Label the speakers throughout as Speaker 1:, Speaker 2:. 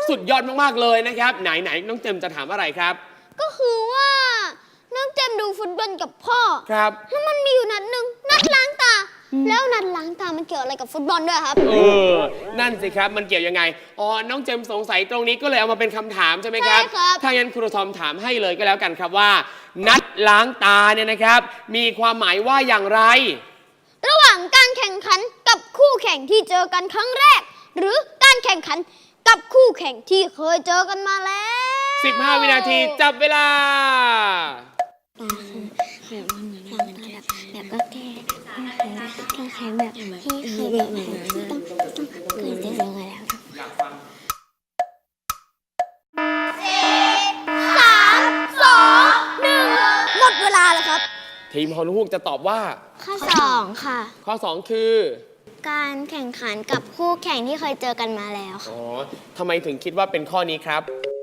Speaker 1: สุดยอดมากๆเลยนะครับไหนน้องเจมจะถามอะไรครับ
Speaker 2: ก็คือว่าน้องเจมดูฟุตบอลกับพ่อ
Speaker 1: ครับ
Speaker 2: แล้วมันมีอยู่นัดหนึ่งนัดล้างตา แล้วนัดล้างตามันเกี่ยวอะไรกับฟุตบอลด้วยครับ
Speaker 1: นั่นสิครับมันเกี่ยวยังไงอ๋อน้องเจมสงสัยตรงนี้ก็เลยเอามาเป็นคำถามใช่ไหมครับ
Speaker 2: ใช่ครับ
Speaker 1: ถ้างั้นครูทอมถามให้เลยก็แล้วกันครับว่า นัดล้างตาเนี่ยนะครับ มีความหมายว่าอย่างไร
Speaker 2: ระหว่างการแข่งขันกับคู่แข่งที่เจอกันครั้งแรก หรือการแข่งขันกับคู่แข่งที่เคยเจอกันมาแล้ว
Speaker 1: 15 วินาทีจับเวลา
Speaker 3: แบบก็แก้แข็งแบบที่เคยแบบต้องเคยเจอมาแล้ว
Speaker 2: หมดเวลาแล้วครับ
Speaker 1: ทีมฮอลลูกจะตอบว่า
Speaker 3: ข้อ2ค่ะ
Speaker 1: ข้อ 2 คือ
Speaker 3: การแข่งขันกับคู่แข่งที่เคยเจอกันมาแล้วค่ะ
Speaker 1: อ๋อทำไมถึงคิดว่าเป็นข้อนี้ครับ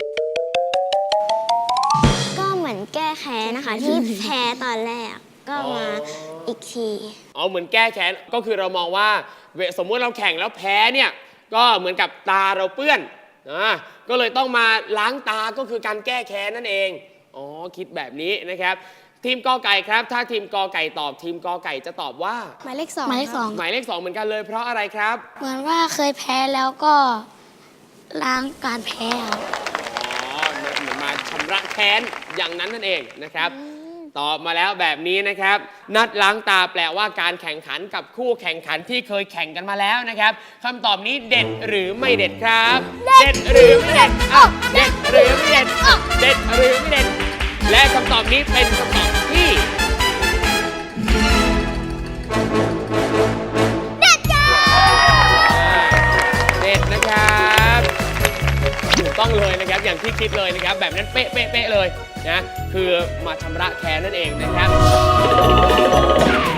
Speaker 3: ก็เหมือนแก้แค้นนะคะที่แพ้ตอนแรกก็มาอีกที
Speaker 1: อ๋อเหมือนแก้แค้นก็คือเรามองว่าสมมติเราแข่งแล้วแพ้เนี่ยก็เหมือนกับตาเราเปื้อนก็เลยต้องมาล้างตาก็คือการแก้แค้นนั่นเองอ๋อคิดแบบนี้นะครับ ทีมกอไก่ครับถ้าทีมกอไก่ตอบทีมกอไก่จะตอบว่า
Speaker 3: หมายเลข2หมายเลข2
Speaker 1: หมายเลข 2เหมือนกันเลยเพราะอะไรครับ
Speaker 3: เหมือนว่าเคยแพ้แล้วก็ล้างการแพ้ครับ
Speaker 1: อ๋อเหมือนมาชำระแค้นอย่างนั้นนั่นเองนะครับตอบมาแล้วแบบนี้นะครับ นัดล้างตาแปลว่าการแข่งขันกับคู่แข่งขันที่เคยแข่งกันมาแล้วนะครับคำตอบนี้เด็ดหรือไม่เด็ดครับ เด็ดหรือไม่เด็ดเด็ดหรือไม่เด็ดเด็ดหรือไม่เด็ดและคำตอบนี้เป็นคำตอบที่เด็ดนะครับถูกต้องเลยนะครับอย่างที่คิดเลยนะครับแบบนั้นเป๊ะเลยนะคือมาชำระแค้นนั่นเองนะครับ